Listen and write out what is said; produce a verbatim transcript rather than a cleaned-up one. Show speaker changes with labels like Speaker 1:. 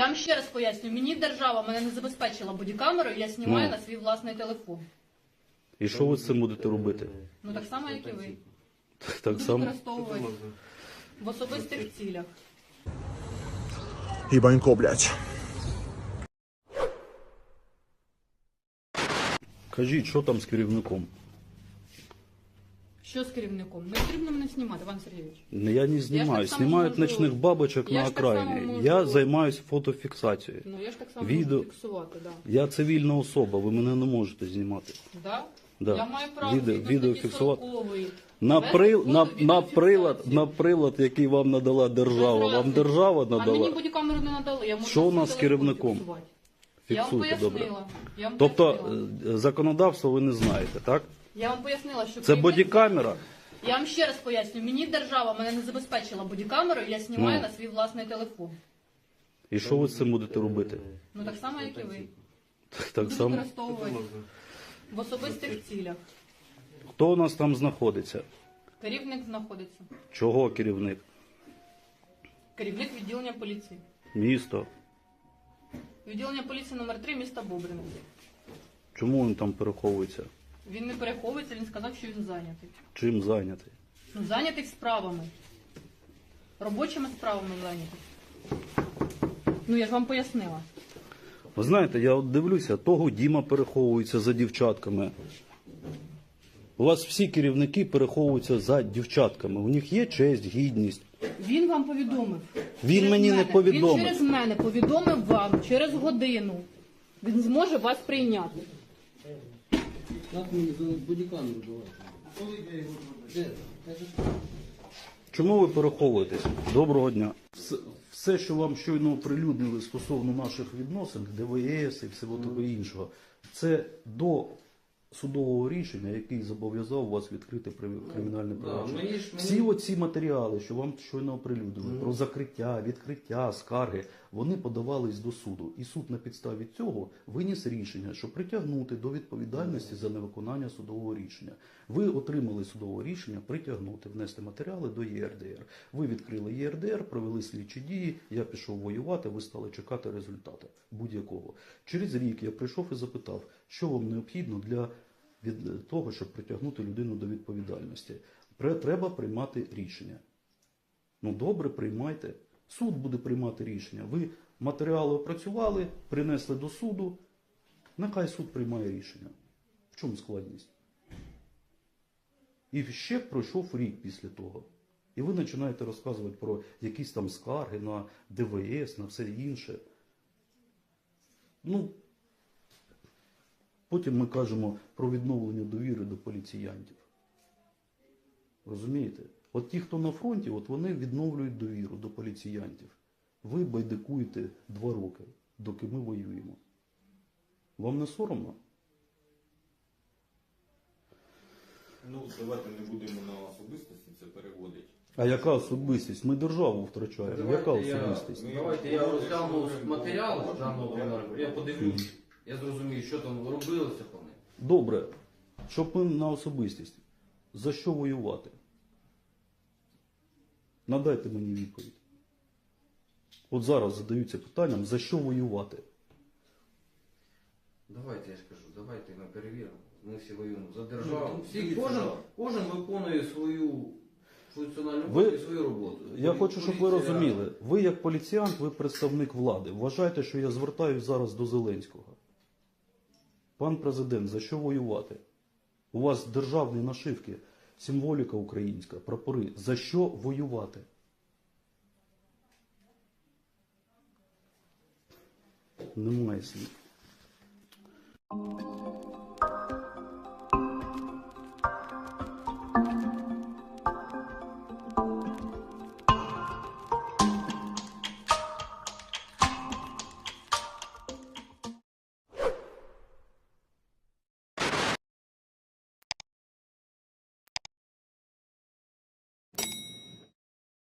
Speaker 1: вам ще раз поясню, мені держава мене не забезпечила бодікамерою, я знімаю
Speaker 2: Ну.
Speaker 1: на свій власний телефон.
Speaker 2: І що ви з цим будете робити?
Speaker 1: Ну так само, як і ви.
Speaker 2: Так
Speaker 1: Буду
Speaker 2: само.
Speaker 1: використовувати в особистих цілях.
Speaker 3: Ебанько, блядь.
Speaker 2: Кажіть, що там з керівником?
Speaker 1: Що з керівником? Не потрібно мене знімати, Іван Сергійович.
Speaker 2: Я не знімаю.
Speaker 1: так само
Speaker 2: Знімають
Speaker 1: можу-
Speaker 2: ночних бабочок
Speaker 1: Я
Speaker 2: на
Speaker 1: ж так само
Speaker 2: окраїні.
Speaker 1: можу-
Speaker 2: Я займаюся фотофіксацією.
Speaker 1: Ну я ж так само
Speaker 2: Відео-
Speaker 1: можу фіксувати, да.
Speaker 2: Я цивільна особа, ви мене не можете знімати.
Speaker 1: Да?
Speaker 2: Да.
Speaker 1: Я маю право
Speaker 2: Відео-
Speaker 1: згідно
Speaker 2: відео
Speaker 1: статті
Speaker 2: фіксувати.
Speaker 1: сорокової.
Speaker 2: На,
Speaker 1: Вести
Speaker 2: при,
Speaker 1: фото,
Speaker 2: на,
Speaker 1: відео,
Speaker 2: на, прилад,
Speaker 1: фіксацію.
Speaker 2: на прилад, який вам надала держава.
Speaker 1: Без
Speaker 2: Вам
Speaker 1: разниці.
Speaker 2: держава
Speaker 1: А мені
Speaker 2: надала?
Speaker 1: бодікамеру не надали. Я можу
Speaker 2: Що у
Speaker 1: на
Speaker 2: нас
Speaker 1: свій
Speaker 2: з
Speaker 1: телефон
Speaker 2: керівником?
Speaker 1: фіксувати. Я вам
Speaker 2: Фіксуйте, добре.
Speaker 1: пояснила. Я вам
Speaker 2: Тобто
Speaker 1: пояснила.
Speaker 2: е, законодавство ви не знаєте, так?
Speaker 1: Я вам пояснила, що
Speaker 2: Це
Speaker 1: керівник-
Speaker 2: бодікамера?
Speaker 1: Я вам ще раз поясню, мені держава мене не забезпечила бодікамерою, я знімаю
Speaker 2: Ну.
Speaker 1: на свій власний телефон.
Speaker 2: І що ви з цим будете робити?
Speaker 1: Ну так само, як і ви.
Speaker 2: Так
Speaker 1: Буду
Speaker 2: само.
Speaker 1: використовувати в особистих цілях.
Speaker 2: Хто у нас там знаходиться?
Speaker 1: Керівник знаходиться.
Speaker 2: Чого керівник?
Speaker 1: Керівник відділення поліції.
Speaker 2: Місто?
Speaker 1: Відділення поліції номер три міста Бобрина.
Speaker 2: Чому він там переховується?
Speaker 1: Він не переховується, він сказав, що він зайнятий.
Speaker 2: Чим зайнятий?
Speaker 1: Ну, зайнятий справами. Робочими справами зайнятий. Ну, я ж вам пояснила.
Speaker 2: Ви знаєте, я от дивлюся, того Діма переховується за дівчатками. У вас всі керівники переховуються за дівчатками. У них є честь, гідність.
Speaker 1: Він вам повідомив.
Speaker 2: Він
Speaker 1: Через
Speaker 2: мені не
Speaker 1: мене.
Speaker 2: повідомив.
Speaker 1: Він через мене повідомив вам через годину. Він зможе вас прийняти.
Speaker 4: Як мені за бодікамеру давати? Де?
Speaker 2: Чому ви переховуєтесь? Доброго дня. Все, все, що вам щойно оприлюднили стосовно наших відносин, ДВС і всього того іншого, це до судового рішення, який зобов'язав вас відкрити при- кримінальне провадження.
Speaker 4: мені ж- мені-
Speaker 2: Всі оці матеріали, що вам щойно оприлюднили, про закриття, відкриття, скарги, вони подавались до суду. І суд на підставі цього виніс рішення, що притягнути до відповідальності за невиконання судового рішення. Ви отримали судове рішення притягнути, внести матеріали до Є Ер Де Ер. Ви відкрили Є Ер Де Ер, провели слідчі дії, я пішов воювати, ви стали чекати результату будь-якого. Через рік я прийшов і запитав, що вам необхідно для від того, щоб притягнути людину до відповідальності. Пре- Треба приймати рішення. Ну добре, приймайте. Суд буде приймати рішення. Ви матеріали опрацювали, принесли до суду. Нехай суд приймає рішення. В чому складність? І ще пройшов рік після того. І ви починаєте розказувати про якісь там скарги на Де Ве Ес, на все інше. Ну, потім ми кажемо про відновлення довіри до поліціянтів. Розумієте? От ті, хто на фронті, от вони відновлюють довіру до поліціянтів. Ви байдикуєте два роки, доки ми воюємо. Вам не соромно?
Speaker 5: Ну, давайте не будемо на особистості це переводити.
Speaker 2: А яка особистість? Ми державу втрачаємо. Яка
Speaker 4: Давайте я-
Speaker 2: особистість?
Speaker 4: Давайте я розгляну матеріал даного кримінального, я подивлюсь, я зрозумію, що там робилося по ним.
Speaker 2: Добре, щоб ми на особистість. За що воювати? Надайте мені відповідь. От зараз задаються питанням, за що воювати?
Speaker 4: Давайте, я ж кажу, давайте ми перевіримо. Ми всі воюємо за державу. Всі, кожен, кожен виконує свою функціональну
Speaker 2: Ви-
Speaker 4: роботу і свою роботу.
Speaker 2: Я хочу, щоб ви
Speaker 4: Поліція-
Speaker 2: розуміли. Ви як поліціянт, ви представник влади. Вважайте, що я звертаюсь зараз до Зеленського. Пан президент, за що воювати? У вас державні нашивки, символіка українська, прапори. За що воювати? Немає слів.